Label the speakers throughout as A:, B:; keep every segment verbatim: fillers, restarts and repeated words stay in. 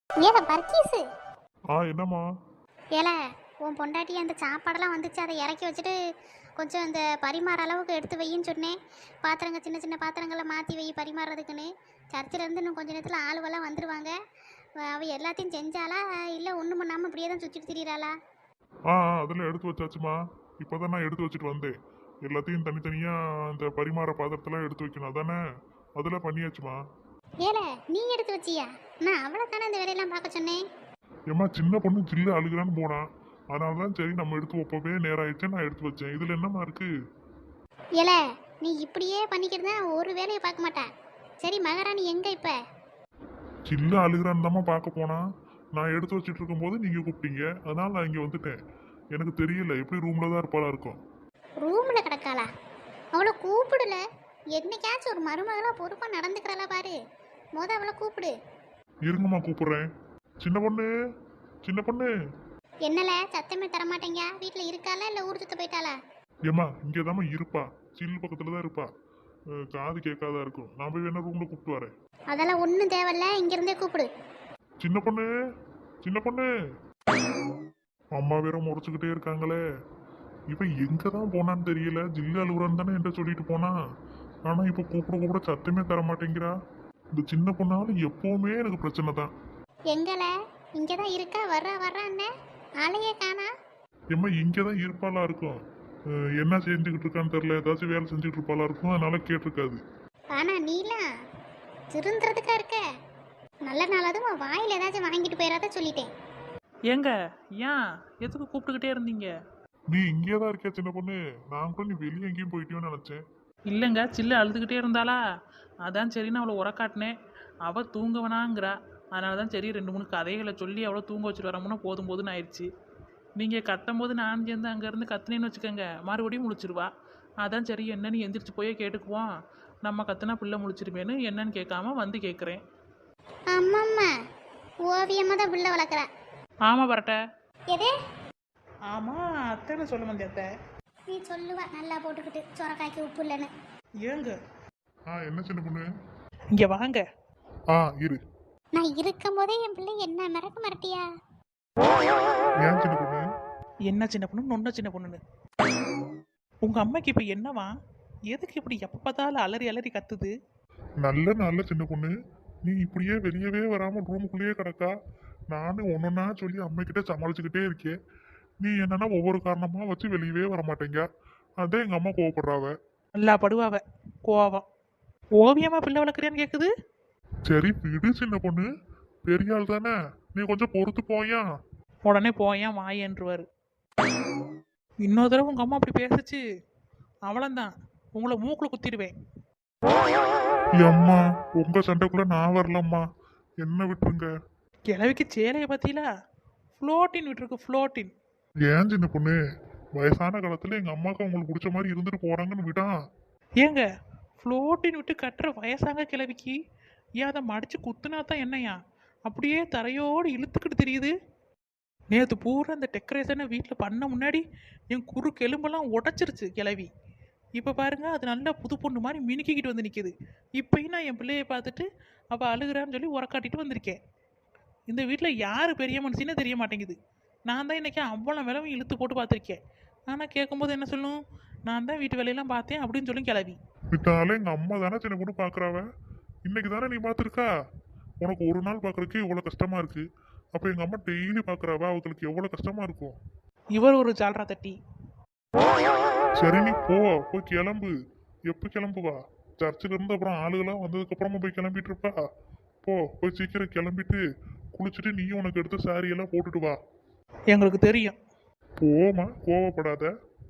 A: ஏல பர்கீஸு.
B: ஆ என்னம்மா?
A: ஏல உன் பொண்டாட்டி அந்த சாப்பாடெல்லாம் வந்துச்சு, அதை இறக்கி வச்சுட்டு கொஞ்சம் அந்த பரிமாற அளவுக்கு எடுத்து வையின்னு சொன்னேன். பாத்திரங்க சின்ன சின்ன பாத்திரங்களை மாற்றி வை பரிமாறுறதுக்குன்னு. சர்ச்சிலேருந்து இன்னும் கொஞ்ச நேரத்தில் ஆளுவெல்லாம் வந்துடுவாங்க. அவ எல்லாத்தையும் செஞ்சாலா இல்லை ஒன்றும் பண்ணாமல் இப்படியே தான் சுற்றிட்டு திரியிறாளா?
B: ஆ ஆ, அதெல்லாம் எடுத்து வச்சாச்சுமா. இப்போதான் நான் எடுத்து வச்சுட்டு வந்தேன். எல்லாத்தையும் தனித்தனியாக இந்த பரிமாற பாத்திரத்தெல்லாம் எடுத்து வைக்கணும் அதானே? அதெல்லாம் பண்ணியாச்சுமா.
A: ஏல நீ எடுத்து வச்சியா? நான் அவளை தானே இந்த வேலையெல்லாம் பார்க்க சொன்னேன்.
B: ஏம்மா சின்ன பொண்ணு ஜில்லு அழுகுறான்னு போனான். அதனால தான் சரி நம்ம எடுத்து வைப்பவே நேரம் ஆயிடுச்சு, நான் எடுத்து வச்சேன். இதில் என்னம்மா இருக்கு?
A: ஏல நீ இப்படியே பண்ணிக்கிட்டு தான் ஒரு வேலையை பார்க்க மாட்டா. சரி மகாராணி எங்க இப்போ?
B: ஜில்லு அழுகுறான்னு தாம்மா பார்க்க போனா. நான் எடுத்து வச்சுட்டு இருக்கும்போது நீங்கள் கூப்பிட்டீங்க, அதனால நான் இங்கே வந்துட்டேன். எனக்கு தெரியல, எப்படி ரூமில் தான் இருப்பாளா இருக்கும்.
A: ரூம்ல கிடக்காளா? அவளை கூப்பிடல. என்னைக்காச்சும் ஒரு மருமகளா பொறுப்பா நடந்துக்கிறாளா பாரு. மொத அவளை கூப்பிடு.
B: இருங்கம்மா கூப்பிடுறேன். சின்ன பொண்ணு, சின்ன பொண்ணு.
A: என்னல சத்தமே தரமாட்டேங்க? வீட்டுல இருக்காளா இல்ல ஊர் சுத்த போயிட்டாளா?
B: ஏம்மா இங்கே தாம்மா இருப்பா, சில்லு பக்கத்தில் தான் இருப்பா. அஹ் காது கேட்காதா இருக்கும். நான் போய் வேணா ரூமில் கூப்பிட்டு வரேன்.
A: அதெல்லாம் ஒன்றும் தேவையில்ல, இங்க இருந்தே கூப்பிடு.
B: சின்ன பொண்ணு, சின்ன பொண்ணு. அம்மா வேற முறைச்சுக்கிட்டே இருக்காங்களே. இவன் எங்க தான் போனான்னு தெரியல. ஜில்லு அழுகுறான்னு தானே என்கிட்ட சொல்லிட்டு போனா. ஆனா இப்போ கூப்பிட கூப்பிட சத்தமே தர மாட்டேங்கிறா. இந்த சின்ன பொண்ணாலும் எப்பவுமே எனக்கு பிரச்சனை தான்.
A: எங்கல? இங்கதான் இருக்கா, வர்றா வர்றான்னு ஆளையே காணா.
B: ஏம்மா இங்கே தான் இருப்பாளா இருக்கும். அஹ் என்ன செஞ்சுக்கிட்டு இருக்கான்னு தெரியல. ஏதாச்சும் வேலை செஞ்சுக்கிட்டு இருப்பாளா இருக்கும், அதனால கேட்டிருக்காது.
A: ஆனா நீலாம் திருந்துறதுக்கா இருக்க. நல்ல நாளாவது உன் வாயில ஏதாச்சும் வாங்கிட்டு போயிடாத சொல்லிட்டேன்.
C: ஏங்க ஏன் எதுக்கு கூப்பிட்டுக்கிட்டே இருந்தீங்க?
B: நீ இங்கே தான் இருக்கியா சின்ன பொண்ணு? நான் கூட நீ வெளியே எங்கேயும் போயிட்டியோன்னு நினச்சேன்.
C: இல்லைங்க, சில்லு அழுதுகிட்டே இருந்தாளா, அதான் சரி நான் அவளை உரக்காட்டினேன். அவள் தூங்கவனாங்கிறா. அதனால தான் சரி ரெண்டு மூணு கதைகளை சொல்லி அவளை தூங்க வச்சுட்டு வரமுன்னா போதும் போதுன்னு ஆயிடுச்சு. நீங்கள் கத்தும் போது நான் சேர்ந்து அங்கேருந்து கத்துனேன்னு வச்சுக்கோங்க, மறுபடியும் முழிச்சிருவா. அதான் சரி என்னன்னு எந்திரிச்சு போயே கேட்டுக்குவோம். நம்ம கத்துனா பிள்ளை முழிச்சிருமேன்னு என்னன்னு கேட்காம வந்து கேட்குறேன்.
A: அம்மம்மா ஓவியமா தான் பிள்ளை வளர்க்குறா.
C: ஆமாம் பரட்ட.
A: எது?
C: ஆமாம் அத்தைன்னு சொல்ல வந்தேன் அத்தை.
A: நீ சொல்லுவ நல்லா போட்டுக்கிட்டு சொரக்காய்க்கு உப்பு இல்லைன்னு.
C: ஏங்க
B: ஆ என்ன சின்ன பொண்ணு?
C: இங்கே வாங்க.
B: ஆ இரு.
A: நான் இருக்கும் போதே என் பிள்ளை என்ன மிரக்க மிரட்டியா?
B: ஏன் சின்ன பொண்ணு?
C: என்ன சின்ன பொண்ணு நொன்ன சின்ன பொண்ணுன்னு உங்கள் அம்மைக்கு இப்போ என்னவா? எதுக்கு இப்படி எப்போ பார்த்தாலும் அலறி அலறி கத்துது?
B: நல்ல நல்ல சின்ன பொண்ணு. நீ இப்படியே வெளியவே வராம ரூமுக்குள்ளேயே கிடக்கா. நானும் ஒன்னொன்னா சொல்லி அம்மைக்கிட்ட சமாளிச்சுக்கிட்டே இருக்கேன். நீ என்னன்னா ஒவ்வொரு காரணமா வச்சு வெளியவே வர மாட்டேங்க. அதான் எங்க அம்மா கோவப்படுறாவ.
C: நல்லா படுவாவ கோவம். ஓவியமா பிள்ளை வளர்க்குறியான்னு கேட்குது.
B: சரி விடு சின்ன பொண்ணு, பெரிய ஆள் தானே, நீ கொஞ்சம் பொறுத்து போயா.
C: உடனே போயேன் வாயன்றுவார். இன்னொரு தடவை உங்கள் அம்மா அப்படி பேசுச்சு அவ்வளோந்தான், உங்களை மூக்கில் குத்திடுவேன்.
B: அம்மா உங்க சண்டைக்குள்ள நான் வரலம்மா, என்ன விட்டுருங்க.
C: கிழவிக்கு சேலையை பற்றிலா ஃப்ளோட்டின் விட்டுருக்கு, ஃப்ளோட்டின்.
B: ஏன் சின்ன பொண்ணு, வயசான காலத்துல எங்க அம்மாவுக்கு அவங்களுக்கு பிடிச்ச மாதிரி இருந்துட்டு போறாங்கன்னு விடா.
C: ஏங்க ஃப்ளோட்டின் விட்டு கட்டுற வயசாங்க கிழவிக்கு ஏன் அதை மடித்து குத்துனா தான் என்னையா அப்படியே தரையோடு இழுத்துக்கிட்டு தெரியுது? நேற்று பூரா இந்த டெக்கரேஷனை வீட்டில் பண்ண முன்னாடி என் குறு எலும்பெல்லாம் உடச்சிருச்சு கிளவி. இப்போ பாருங்க அது நல்லா புது பொண்ணு மாதிரி மினுக்கிக்கிட்டு வந்து நிற்கிது. இப்போயும் நான் என் பிள்ளையை பார்த்துட்டு அவள் அழுகிறான்னு சொல்லி உரக்காட்டிட்டு வந்திருக்கேன். இந்த வீட்டில் யார் பெரிய மனுஷனே தெரிய மாட்டேங்குது. நான் தான் இன்றைக்கி அவ்வளோ விலவும் இழுத்து போட்டு பார்த்துருக்கேன். ஆனால் கேட்கும்போது என்ன சொல்லும், நான் தான் வீட்டு வேலையெல்லாம் பார்த்தேன் அப்படின்னு சொல்லி கிளவி.
B: விட்டாலும் எங்க அம்மா தானே சின்ன பொண்ணு பாக்குறாவ. இன்னைக்கு தானே நீ பார்த்துருக்கா. உனக்கு ஒரு நாள் பார்க்கறதுக்கு எவ்வளவு கஷ்டமா இருக்கு. அப்ப எங்க அம்மா டெய்லி பாக்குறாவ, அவங்களுக்கு எவ்வளவு கஷ்டமா இருக்கும்.
C: இவர் ஒரு ஜால்ரா தட்டி.
B: சரி நீ போ, போய் கிளம்பு. எப்ப கிளம்புவா? சர்ச்சில் இருந்து அப்புறம் ஆளுகளாம் வந்ததுக்கு அப்புறமா போய் கிளம்பிட்டு இருப்பா. போ போய் சீக்கிரம் கிளம்பிட்டு குளிச்சுட்டு நீ உனக்கு எடுத்த சாரி எல்லாம் போட்டுட்டு வா.
C: எங்களுக்கு தெரியும்.
B: போமா, கோவப்படாத.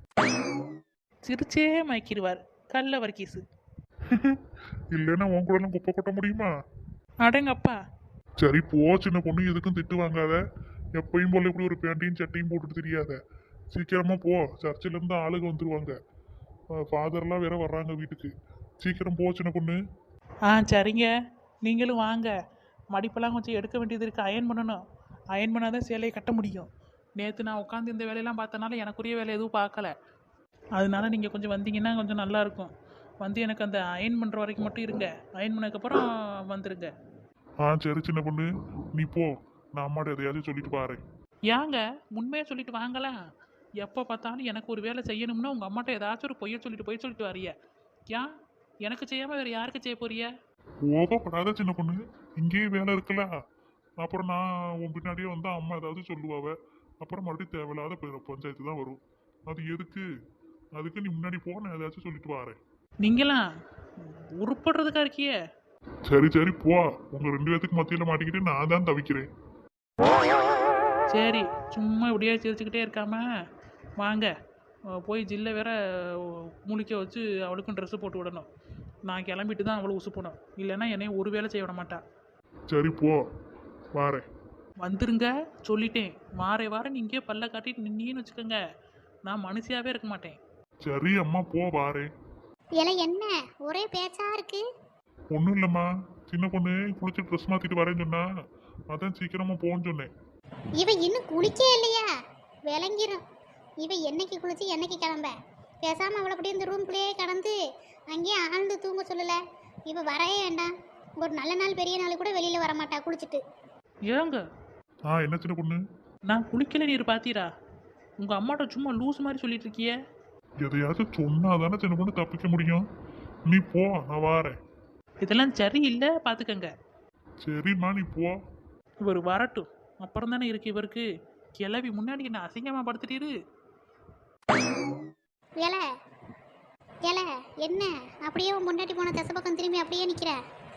C: சிரிச்சே மயக்கிடுவார் கல்ல வர்க்கீஸு.
B: இல்லைன்னா உன் கூட எல்லாம் குப்பை கொட்ட முடியுமா?
C: அடங்கப்பா.
B: சரி போ சின்ன பொண்ணு, எதுக்கும் திட்டு வாங்காத. எப்பயும் போல இப்படி ஒரு பேண்டையும் சட்டையும் போட்டுட்டு தெரியாத. சீக்கிரமா போ, சர்ச்சில் இருந்து ஆளுங்க வந்துருவாங்க. ஃபாதர்லாம் வேற வர்றாங்க வீட்டுக்கு. சீக்கிரம் போ சின்ன பொண்ணு.
C: ஆ சரிங்க, நீங்களும் வாங்க. மடிப்பெல்லாம் கொஞ்சம் எடுக்க வேண்டியது இருக்குது, அயன் பண்ணணும். அயன் பண்ணால் தான் சேலையை கட்ட முடியும். நேற்று நான் உட்காந்து இந்த வேலையெல்லாம் பார்த்தனால எனக்குரிய வேலை எதுவும் பார்க்கல. அதனால நீங்கள் கொஞ்சம் வந்தீங்கன்னா கொஞ்சம் நல்லாயிருக்கும். வந்து எனக்கு அந்த அயன் பண்ணுற வரைக்கும் மட்டும் இருங்க. அயன் பண்ணதுக்கப்புறம் வந்துடுங்க.
B: ஆ சரி சின்ன பொண்ணு, நீ போ. நான் அம்மாட்ட எதையாச்சும் சொல்லிட்டு பாரு.
C: ஏங்க உண்மையை சொல்லிட்டு வாங்கலாம். எப்போ பார்த்தாலும் எனக்கு ஒரு வேலை செய்யணும்னா உங்கள் அம்மாட்ட ஏதாச்சும் ஒரு பொய்யை சொல்லிட்டு பொய் சொல்லிட்டு வரிய. ஏன் எனக்கு செய்யாமல் வேறு யாருக்கு செய்ய போறிய?
B: கோபப்படாத சின்ன பொண்ணு, இங்கேயே வேலை இருக்குல்ல. அப்புறம் நான் உன் பின்னாடியே வந்தா அம்மா ஏதாவது சொல்லுவாவ. அப்புறம் மறுபடியும் தேவையில்லாத ப- பஞ்சாயத்து தான் வரும். அது எதுக்கு? அதுக்கு நீ முன்னாடி போ, நான் ஏதாச்சும் சொல்லிட்டு வரேன்.
C: நீங்களாம் உருப்படுறதுக்கா இருக்கியே.
B: சரி சரி போ. உங்க ரெண்டு பேத்துக்கு மத்தியில மாட்டிக்கிட்டு நான் தான் தவிக்கிறேன்.
C: சரி சும்மா இப்படியே சிரிச்சுக்கிட்டே இருக்காம வாங்க. அஹ் போய் ஜில்லை வேற அஹ், முழிக்க வச்சு அவளுக்கும் ட்ரெஸ்ஸு போட்டு விடணும். நான் கிளம்பிட்டு தான் அவளை உசுப்பணும். இல்லைன்னா என்னைய ஒரு வேலை செய்ய விட மாட்டா.
B: சரி போ, வாரேன்.
C: வந்துருங்க சொல்லிட்டேன். வாரே வாரம் இங்கேயே பல்ல காட்டிட்டு நின்னீன்னு வச்சுக்கோங்க, நான் மனுஷியாவே இருக்க மாட்டேன்.
B: சரி அம்மா போ, வாரேன்.
A: இலை என்ன ஒரே பேச்சா இருக்கு?
B: ஒன்றும் இல்லைம்மா, சின்ன பொண்ணு குளிச்சு ட்ரெஸ் மாத்திட்டு வரேன்னு சொன்னா, அதான் சீக்கிரமா போன்னு சொன்னேன்.
A: இவ இன்னும் குளிக்கே இல்லையா? விளங்கிரும். இவ என்னைக்கு குளிச்சு என்னைக்கு கிளம்ப? பேசாம அவளை அப்படியே இந்த ரூம்குள்ளேயே கடந்து அங்கேயே ஆழ்ந்து தூங்க சொல்லல. இவ வரவே வேண்டாம். ஒரு நல்ல நாள் பெரிய நாள் கூட வெளியில வர மாட்டா குளிச்சுட்டு.
C: ஏங்க
B: ஆ என்ன சின்ன பொண்ணு?
C: நான் குளிக்கல நீர் பார்த்தீரா? உங்கள் அம்மாட்ட சும்மா லூஸ் மாதிரி சொல்லிட்டு இருக்கியே.
B: எதையாச்சும் சொன்னாதானே சின்ன பொண்ணு தப்பிக்க முடியும். நீ போ, நான் வாரேன்.
C: இதெல்லாம் சரியில்லை பார்த்துக்கங்க.
B: சரிம்மா நீ போ.
C: இவர் வரட்டும் அப்புறம் தானே இருக்கு இவருக்கு. கிளவி முன்னாடி என்ன அசிங்கமாக படுத்துட்டீரு.
A: இலை இலை என்ன அப்படியே உன் முன்னாடி போன தசை பக்கம் திரும்பி அப்படியே நிக்கிற?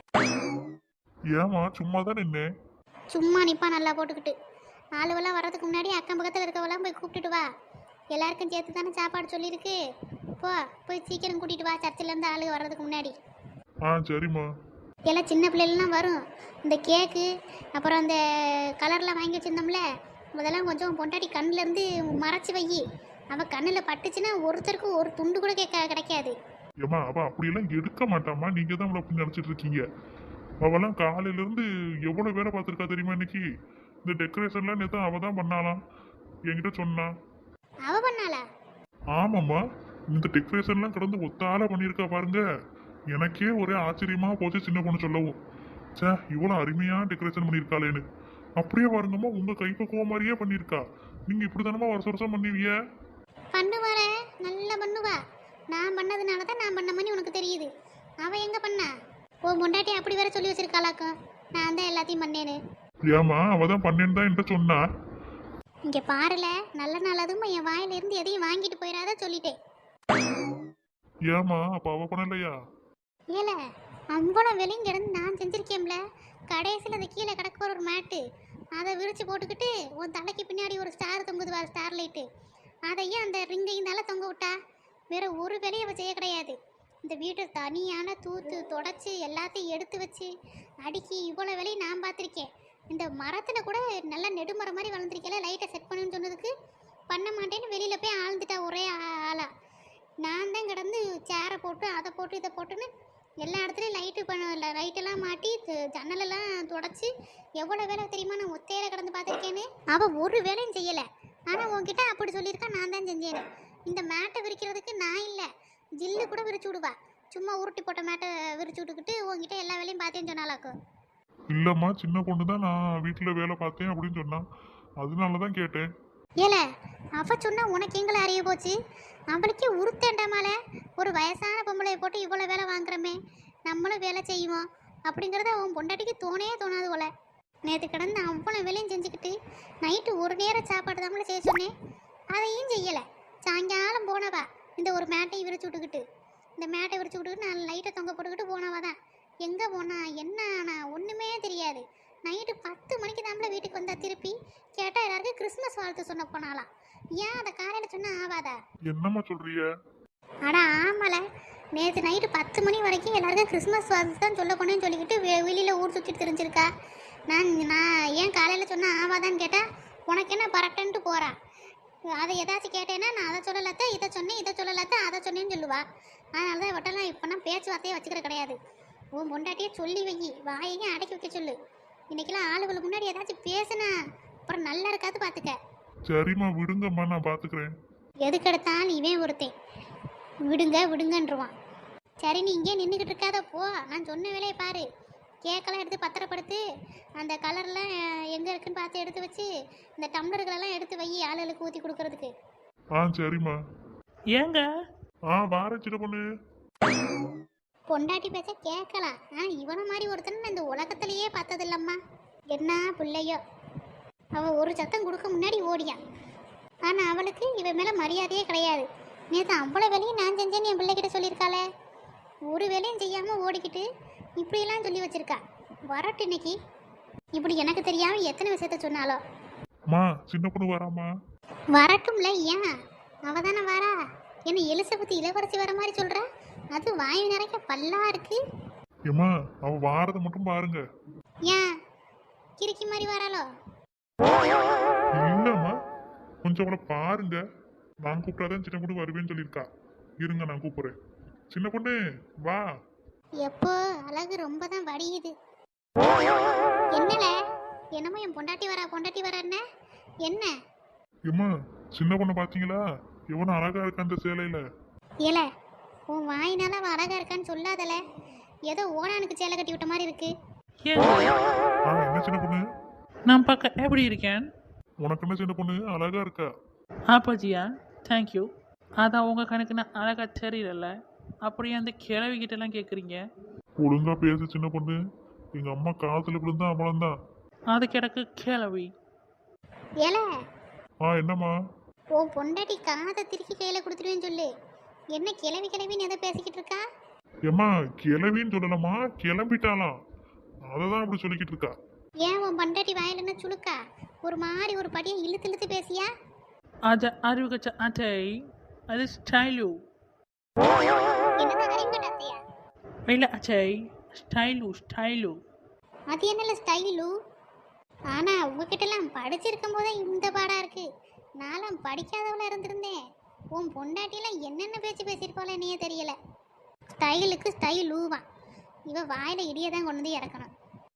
B: ஏமா சும்மா தான் நின்னேன்.
A: சும்மா நிப்பா நல்லா போட்டுக்கிட்டு. ஆளுவெல்லாம் வர்றதுக்கு முன்னாடி அக்கம் பக்கத்தில் இருக்கவெல்லாம் போய் கூப்பிட்டுட்டு வா. எல்லாருக்கும் சேர்த்து தானே சாப்பாடு சொல்லியிருக்கு. போ போய் சீக்கிரம் கூட்டிட்டு வா, சர்ச்சிலேருந்து ஆளு வர்றதுக்கு முன்னாடி.
B: ஆ சரிம்மா.
A: எல்லாம் சின்ன பிள்ளைகள்லாம் வரும். இந்த கேக்கு அப்புறம் அந்த கலர்லாம் வாங்கி வச்சிருந்தோம்ல, அதெல்லாம் கொஞ்சம் பொண்டாட்டி கண்ணுல இருந்து மறைச்சி வை. அவள் கண்ணில் பட்டுச்சுன்னா ஒருத்தருக்கும் ஒரு துண்டு கூட கேட்க கிடைக்காது.
B: ஏம்மா அவ அப்படியெல்லாம் எடுக்க மாட்டாம்மா, நீங்க தான் அவளை அப்படி நினைச்சிட்டு இருக்கீங்க. அவெல்லாம் காலையில இருந்து எவ்வளவு வேலை பார்த்துருக்கா தெரியுமா இன்னைக்கு? இந்த டெக்கரேஷன்லாம் நேற்று அவ தான் பண்ணாலாம், என்கிட்ட சொன்னா.
A: அவ பண்ணாளா?
B: ஆமாம்மா, இந்த டெக்கரேஷன்லாம் கடந்து ஒத்தால பண்ணியிருக்கா பாருங்க. எனக்கே ஒரே ஆச்சரியமா போச்சு சின்ன பொண்ணு சொல்லவும். சே இவ்வளோ அருமையா டெக்கரேஷன் பண்ணியிருக்காளேன்னு. அப்படியே பாருங்கம்மா, உங்க கைப்பக்குவம் மாதிரியே பண்ணியிருக்கா. நீங்க இப்படி தானம்மா வருஷம் வருஷம் பண்ணுவீங்க?
A: பண்ணுவார நல்லா பண்ணுவா. நான் பண்ணதுனால தான் நான் பண்ண மாதிரி உனக்கு தெரியுது. அவள் எங்கே பண்ணா? உன் பொண்டாட்டி அப்படி வேற சொல்லி வச்சிருக்காளாக்கும், நான் தான் எல்லாத்தையும் பண்ணேன்னு.
B: ஏமா அவ தான் பண்ணேன்னு தான் என்கிட்ட சொன்னா.
A: இங்கே பாருல, நல்ல நாள் அதுவும் என் வாயிலிருந்து எதையும் வாங்கிட்டு போயிடாத சொல்லிட்டேன்.
B: ஏமா அப்ப அவ பண்ணலையா?
A: ஏல அவ்வளோ வெளியும் கிடந்து நான் செஞ்சிருக்கேன்ல. கடைசியில் அந்த கீழே கிடக்க ஒரு மேட்டு, அதை விரிச்சு போட்டுக்கிட்டு உன் தலைக்கு பின்னாடி ஒரு ஸ்டார் தொங்குது வா, ஸ்டார் லைட்டு. அதையும் அந்த ரிங்கையும் தானே தொங்க விட்டா. வேற ஒரு வேலையும் அவள் செய்ய கிடையாது. இந்த வீட்டை தனியான தூத்து தொடச்சி எல்லாத்தையும் எடுத்து வச்சு அடுக்கி இவ்வளோ வேலையும் நான் பார்த்துருக்கேன். இந்த மரத்தில் கூட நல்லா நெடுமரம் மாதிரி வளர்ந்துருக்கல, லைட்டை செட் பண்ணுன்னு சொன்னதுக்கு பண்ண மாட்டேன்னு வெளியில் போய் ஆழ்ந்துட்டா ஒரே ஆளா. நான் தான் கிடந்து சேரை போட்டு அதை போட்டு இதை போட்டுன்னு எல்லா இடத்துலையும் லைட்டு பண்ண லைட்டெல்லாம் மாட்டி ஜன்னலெல்லாம் தொடச்சி எவ்வளோ வேலை தெரியுமா நான் ஒத்தையில கிடந்து பார்த்துருக்கேன்னு. அவள் ஒரு வேலையும் செய்யலை. ஆனால் உன்கிட்ட அப்படி சொல்லியிருக்கா, நான் தான் செஞ்சேன்னு. இந்த மேட்டை விரிக்கிறதுக்கு நான் இல்லை, ஜில்லு கூட விரிச்சு விடுவா. சும்மா உருட்டி போட்ட மேட்டை விரிச்சு விட்டுக்கிட்டு உங்ககிட்ட எல்லா வேலையும் பார்த்தேன்னு சொன்னாலாக்கும்.
B: இல்லம்மா, சின்ன பொண்ணு தான் நான் வீட்டுல வேலை பார்த்தேன் அப்படின்னு சொன்னா, அதனால தான் கேட்டேன்.
A: ஏல அவ சொன்னா உனக்கு எங்களை அறிய போச்சு? அவளுக்கே உருத்தேண்டாமால, ஒரு வயசான பொம்பளையை போட்டு இவ்வளோ வேலை வாங்குறமே, நம்மளும் வேலை செய்வோம் அப்படிங்கிறத அவன் பொண்டாட்டிக்கு தோணே தோணாது போல. நேற்று கிடந்து அவ்வளோ வேலையும் செஞ்சுக்கிட்டு நைட்டு ஒரு நேரம் சாப்பாடு தாமல செய்ய சொன்னேன், அதையும் செய்யலை. சாயங்காலம் போனவா இந்த ஒரு மேட்டையும் விரிச்சு விட்டுக்கிட்டு இந்த மேட்டை விரிச்சு விட்டுக்கிட்டு நான் லைட்டை தொங்க போட்டுக்கிட்டு போனவா தான். எங்கே போனா என்ன ஆனா ஒன்றுமே தெரியாது. நைட்டு பத்து மணிக்கு தாமல வீட்டுக்கு வந்தா, திருப்பி கேட்டால் எல்லாருக்கும் கிறிஸ்மஸ் வாழ்த்து சொன்ன போனாலாம். ஏன் அதை காலையில் சொன்னா ஆவாதா?
B: என்னம்மா சொல்றீங்க?
A: அடா ஆமால, நேற்று நைட்டு பத்து மணி வரைக்கும் எல்லாருக்கும் கிறிஸ்மஸ் வாழ்த்து தான் சொல்ல போனேன்னு சொல்லிக்கிட்டு வெ வெளியில் ஊர் சுற்றிட்டு தெரிஞ்சிருக்கா. நான் நான் ஏன் காலையில் சொன்னால் ஆவாதான்னு கேட்டால் உனக்கு என்ன பரட்டன்ட்டு போகிறா. அதை ஏதாச்சும் கேட்டேன்னா நான் அதை சொல்லலாத்த இதை சொன்னேன், இதை சொல்லலாத்த அதை சொன்னேன்னு சொல்லுவா. அதனால தான் இவட்டெல்லாம் இப்போ நான் பேச்சுவார்த்தையே வச்சுக்கிற கிடையாது. உன் பொண்டாட்டியே சொல்லி வை, வாயையும் அடக்கி வைக்க சொல்லு. இன்னைக்கெல்லாம் ஆளுகளுக்கு முன்னாடி ஏதாச்சும் பேசுனா அப்புறம் நல்லா இருக்காது பார்த்துக்க.
B: சரிம்மா விடுங்கம்மா, நான் பாத்துக்கிறேன்.
A: எதுக்கெடுத்தாலும் இவன் ஒருத்தன் விடுங்க விடுங்கன்றுவான். சரி நீ இங்கே நின்றுக்கிட்டு இருக்காத, போ, நான் சொன்ன வேலையை பாரு. கேக்கெல்லாம் எடுத்து பத்திரப்படுத்து, அந்த கலர்லாம் எங்கே இருக்குன்னு பார்த்து எடுத்து வச்சு இந்த டம்ளர்களெல்லாம் எடுத்து வை ஆளுகளுக்கு ஊற்றி கொடுக்கறதுக்கு.
B: ஆ சரிம்மா.
C: ஏங்க
B: ஆ வாரேன் சின்ன பொண்ணு.
A: பொண்டாட்டி பேச்ச கேட்கலாம். ஆனால் இவனை மாதிரி ஒருத்தன் நான் இந்த உலகத்திலேயே பார்த்ததில்லம்மா. என்ன பிள்ளையோ, அவள் ஒரு சத்தம் கொடுக்க முன்னாடி ஓடியான். ஆனால் அவளுக்கு இவன் மேலே மரியாதையே கிடையாது. நேற்று அவ்வளோ வேலையும் நான் செஞ்சேன்னு என் பிள்ளைகிட்ட சொல்லியிருக்காளே, ஒரு வேலையும் செய்யாமல் ஓடிக்கிட்டு இப்படியெல்லாம் சொல்லி வச்சிருக்கா. வரட்டு இன்னைக்கு இப்படி எனக்கு தெரியாமல் எத்தனை விஷயத்த சொன்னாலோ.
B: மா சின்ன பொண்ணு வராமா?
A: வரட்டும்ல, ஏன் அவ தானே வரா? என்ன எலிசபெத் இளவரசி வர மாதிரி சொல்ற? அது வாயு நிறைய பல்லா இருக்கு.
B: ஏம்மா அவ வாரதை மட்டும் பாருங்க.
A: ஏன் கிறுக்கி மாதிரி வராளோ?
B: இல்லம்மா கொஞ்சம் அவளை பாருங்க. நான் கூப்பிட்டாதான் சின்ன பொண்ணு வருவேன்னு சொல்லியிருக்கா. இருங்க நான் கூப்பிடுறேன். சின்ன பொண்ணு வா.
A: எப்போ அழகு ரொம்ப தான் வடியுது. என்னல என்னமோ என் பொண்டாட்டி வரா பொண்டாட்டி வரேன்ன என்ன?
B: ஏம்மா சின்ன பொண்ணை பாத்தீங்களா? எவனும் அழகா இருக்கா அந்த சேலையில?
A: ஏல உன் வாயினால அவ அழகா இருக்கான்னு சொல்லாதல. ஏதோ ஓனானுக்கு சேலை கட்டி விட்ட மாதிரி இருக்கு.
C: ஏங்க
B: ஆ என்ன சின்ன பொண்ணு?
C: நான் பார்க்க எப்படி இருக்கேன்?
B: உனக்கு என்ன சின்ன பொண்ணு அழகா இருக்கா?
C: ஆப்பாஜியா தேங்க்யூ. அதான் உங்கள் கணக்கு நான் அழகாக தெரியல, அப்படியே அந்த கிழவிக்கிட்டலாம் கேட்குறீங்க.
B: ஒழுங்கா பேசு சின்ன பொண்ணு. எங்க அம்மா காத்துல விழுந்தா அவ்வளவுதான்.
C: அது கிடக்கு கிழவி.
A: ஏல
B: ஆ என்னம்மா?
A: உன் பொண்டாட்டி காதை திருக்கி கையில கொடுத்துருவேன்னு சொல்லு. என்ன கிளவி கிளவின்னு எதை பேசிக்கிட்டு இருக்கா?
B: ஏம்மா கிளவின்னு சொல்லலாமா? கிளம்பிட்டாலாம். அததான் அப்படி சொல்லிக்கிட்டு இருக்கா.
A: ஏன் உன் பொண்டாட்டி வாயில என்ன சுழுக்கா? ஒரு மாதிரி ஒரு படியை இழுத்து இழுத்து பேசியா?
C: அது அறிவுகச்ச அட்டை, அது ஸ்டைலு.
A: என்னதான் அறிவுகட்டாத்தையா?
C: இல்லை அச்சை, ஸ்டைலு ஸ்டைலு.
A: அது என்னல ஸ்டைலு? ஆனா உங்ககிட்டலாம் படிச்சிருக்கும் போதே இந்த பாடா இருக்கு. நானும் படிக்காதவள இருந்திருந்தேன். உன் பொண்டாட்டிலாம் என்னென்ன பேச்சு பேசியிருப்பாளோ என்னையே தெரியல. ஸ்டைலுக்கு ஸ்டைலூவா? இவ வாயில இடியை தான் கொண்டு வந்து இறக்கணும்.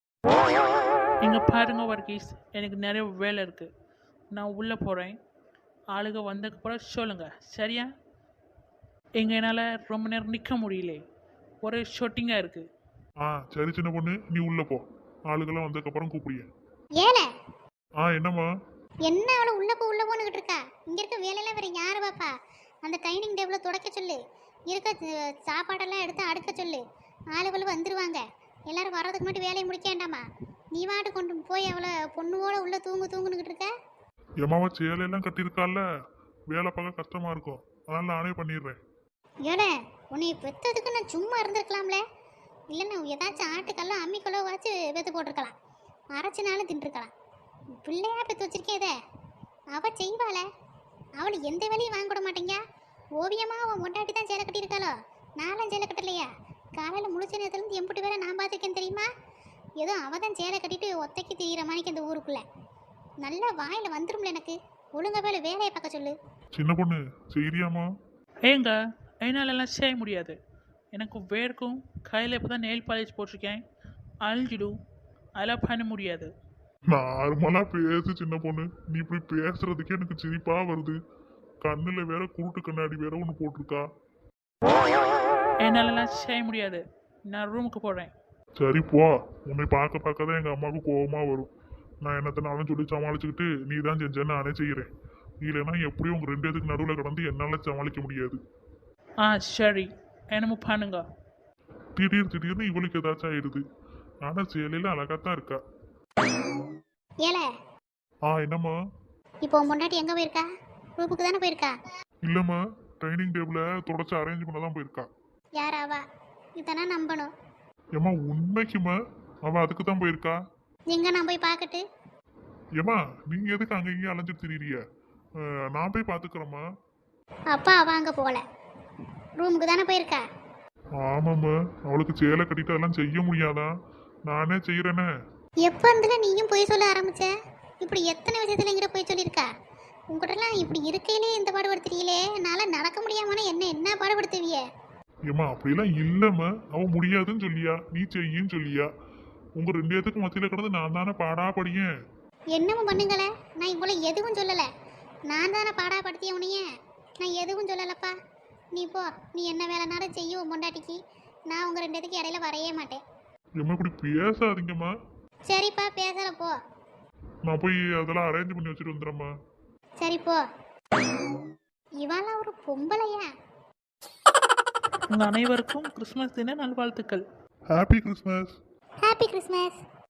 C: இங்கே பாருங்க வர்கீஸ், எனக்கு நிறைய வேலை இருக்குது. நான் உள்ளே போகிறேன். ஆளுங்க வந்ததுக்கப்புறம் சொல்லுங்கள் சரியா? எங்கள் என்னால் ரொம்ப நேரம் நிற்க முடியல, ஒரே ஷொட்டிங்காக இருக்குது.
B: ஆ சரி சின்ன பொண்ணு நீ உள்ள போ. ஆளுகெல்லாம் வந்ததுக்கப்புறம் கூப்பிடிய.
A: ஏல
B: ஆ என்னம்மா?
A: என்ன அவளை உள்ள போ உள்ள போனுக்கிட்டு இருக்கா? இங்க இருக்க வேலையெல்லாம் வேற யாரு பாப்பா? அந்த டைனிங் டேபிள துடைக்க சொல்லு. இருக்க அஹ், சாப்பாடெல்லாம் எடுத்து அடுக்க சொல்லு. ஆளுகள் வந்துருவாங்க. எல்லாரும் வர்றதுக்கு முன்னாடி வேலையை முடிக்க வேண்டாமா? நீ வாட்டு கொண்டு போய் அவளை பொண்ணுவோட உள்ள தூங்கு தூங்குனுக்கிட்டு இருக்க.
B: எம்மாவா சேலையெல்லாம் கட்டியிருக்கால, வேலை பார்க்க கஷ்டமா இருக்கும். அதனால நானே பண்ணிடுறேன்.
A: ஏல உன்னை பெத்ததுக்கு நான் சும்மா இருந்திருக்கலாம்ல. இல்லைன்னா ஏதாச்சும் ஆட்டுக்கெல்லாம் அம்மிக்கொள்ள வச்சு வெத்து போட்டிருக்கலாம். அரைச்சினாலும் தின்றுருக்கலாம். பிள்ளையா பெற்று வச்சிருக்கேதே, அவ செய்வாள. அவளை எந்த வேலையும் வாங்க விட மாட்டேங்க. ஓவியமா அவன் மொண்டாட்டி தான் சேலை கட்டியிருக்காளோ? நானும் சேலை கட்டலையா? காலையில் முழிச்ச நேரத்துலேருந்து எம்பிட்டு வேலை நான் பார்த்துருக்கேன் தெரியுமா? ஏதோ அவ தான் சேலை கட்டிட்டு ஒத்தைக்கு திரியிற மாதிரிக்கு அந்த ஊருக்குள்ள நல்லா வாயில் வந்துரும்ல எனக்கு. ஒழுங்க வேலை வேலையை பார்க்க சொல்லு.
B: சின்ன பொண்ணு செய்யறியாமா?
C: ஏங்க என்னாலெல்லாம் செய்ய முடியாது. எனக்கு வேர்க்கும், கையில் இப்போ தான் நெயில் பாலிஷ் போட்டிருக்கேன், அழிஞ்சிடும். அதெல்லாம் பண்ண முடியாது.
B: நார்மலா பேசு சின்ன பொண்ணு. நீ இப்படி பேசுறதுக்கே எனக்கு சிரிப்பா வருது. கண்ணுல வேற குருட்டு கண்ணாடி வேற ஒன்று போட்டிருக்கா.
C: என்னாலெல்லாம் செய்ய முடியாது. நான் ரூமுக்கு போகிறேன்.
B: சரி போ. உன்னை பார்க்க பார்க்க தான் எங்க அம்மாவுக்கு கோபமா வரும். நான் என்னத்தனாலும் சொல்லி சமாளிச்சுக்கிட்டு நீ தான் செஞ்சேன்னு நானே செய்கிறேன். இல்லைன்னா எப்படியும் உங்க ரெண்டு பேத்துக்கு நடுவில் கடந்து என்னால் சமாளிக்க முடியாது.
C: ஆ சரி, என்னமோ பண்ணுங்க.
B: திடீர் திடீர்னு இவளுக்கு ஏதாச்சும் ஆயிடுது. ஆனா சேலையில அழகாத்தான் இருக்கா.
A: ஏல
B: ஆ என்னம்மா?
A: இப்போ உன் பொண்டாட்டி எங்கே போயிருக்கா? ரூமுக்கு தானே போயிருக்கா?
B: இல்லம்மா, டைனிங் டேபிள தொடச்சு அரேஞ்ச் பண்ண தான் போயிருக்கா.
A: யாராவா? இதானே நம்பணும்.
B: ஏம்மா உண்மைக்குமா அவ அதுக்கு தான் போயிருக்கா?
A: எங்க நான் போய் பார்க்கட்டு?
B: ஏம்மா நீங்க எதுக்கு அங்க இங்கேயும் அலைஞ்சிட்டு திரியிறிய? அஹ், நான் போய் பாத்துக்கிறேம்மா.
A: அப்பா அவ அங்கே போகல, ரூமுக்கு தானே போயிருக்கா.
B: ஆமாம்மா, அவளுக்கு சேலை கட்டிட்டு அதெல்லாம் செய்ய முடியாதான்? நானே செய்யறேனே.
A: எப்போ இருந்துல நீயும் போய் சொல்ல ஆரம்பிச்ச? இப்படி எத்தனை விஷயத்துல எங்கிட்ட போய் சொல்லியிருக்கா? உங்ககிட்டலாம் இப்படி இருக்கையிலே இந்த பாடுபடுத்துறீங்களே, என்னால் நடக்க முடியாமனா என்ன என்ன பாடுபடுத்துவிய?
B: ஏம்மா அப்படிலாம் இல்லம்மா, அவ முடியாதுன்னு சொல்லியா, நீ செய்யின்னு சொல்லியா. உங்க ரெண்டு பேத்துக்கு மத்தியில கிடந்து நான் தானே பாடா படியேன்.
A: என்னமும் பண்ணுங்களே, நான் இவ்வளோ எதுவும் சொல்லலை. நான் தானே பாடாப்படுத்திய உனைய, நான் எதுவும் சொல்லலப்பா. நீ போ, நீ என்ன வேலைனாலும் செய்ய உன் பொண்டாட்டிக்கு. நான் உங்கள் ரெண்டு பேத்துக்கு இடையில வரையே மாட்டேன்.
B: எம்மா இப்படி பேசாதீங்கம்மா.
A: சரிப்பா பேசல போ.
B: நான் போய் அதெல்லாம் அரேஞ்ச் பண்ணி வச்சுட்டு வந்துடுறேம்மா.
A: சரி போ. இவெல்லாம் ஒரு பொம்பளையா?
C: உங்கள் அனைவருக்கும் கிறிஸ்மஸ் தின நல்வாழ்த்துக்கள்.
B: Happy Christmas.
A: Happy Christmas.